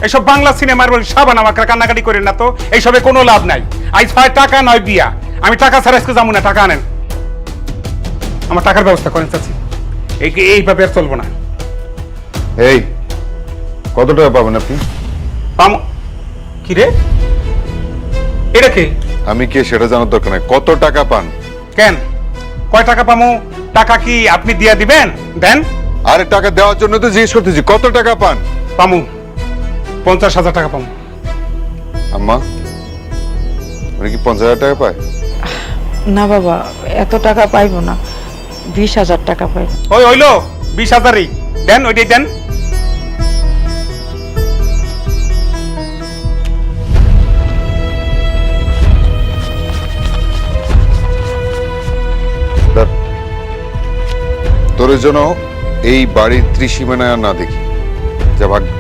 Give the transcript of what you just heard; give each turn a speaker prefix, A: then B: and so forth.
A: এইসব বাংলা সিনেমার বলি সাবান আমাকে কান্নাকাটি করেন না তো, এইসবে কোনো লাভ নাই। আজ হয় টাকা নয় বিয়া, আমি টাকা ছাড়া আজকে যাবো না, টাকা আনেন, আমার টাকার ব্যবস্থা করেন চাচি, এইভাবে আর চলবো না।
B: এই কত টাকা পাবেন আপনি?
A: পাম কি রে, এটা কে?
B: আমি কে সেটা জানার দরকার নাই, কত টাকা পান?
A: কেন, কয় টাকা পামু? টাকা কি আপনি দিয়া দিবেন? দেন।
B: আরে টাকা দেওয়ার জন্য তো জিজ্ঞেস করতেছি, কত টাকা পান?
A: পামু 50,000 টাকা পামু।
B: আম্মা উনি কি 50,000 টাকা পায়?
C: না বাবা, এত টাকা পাইবো না, 20,000 টাকা পাইব।
A: ওই হইলো 20,000ই দেন, ওইটাই দেন।
B: ধর। তোর জন্য এই বাড়ির ত্রিসীমানায় আর না দেখি, যা ভাগ।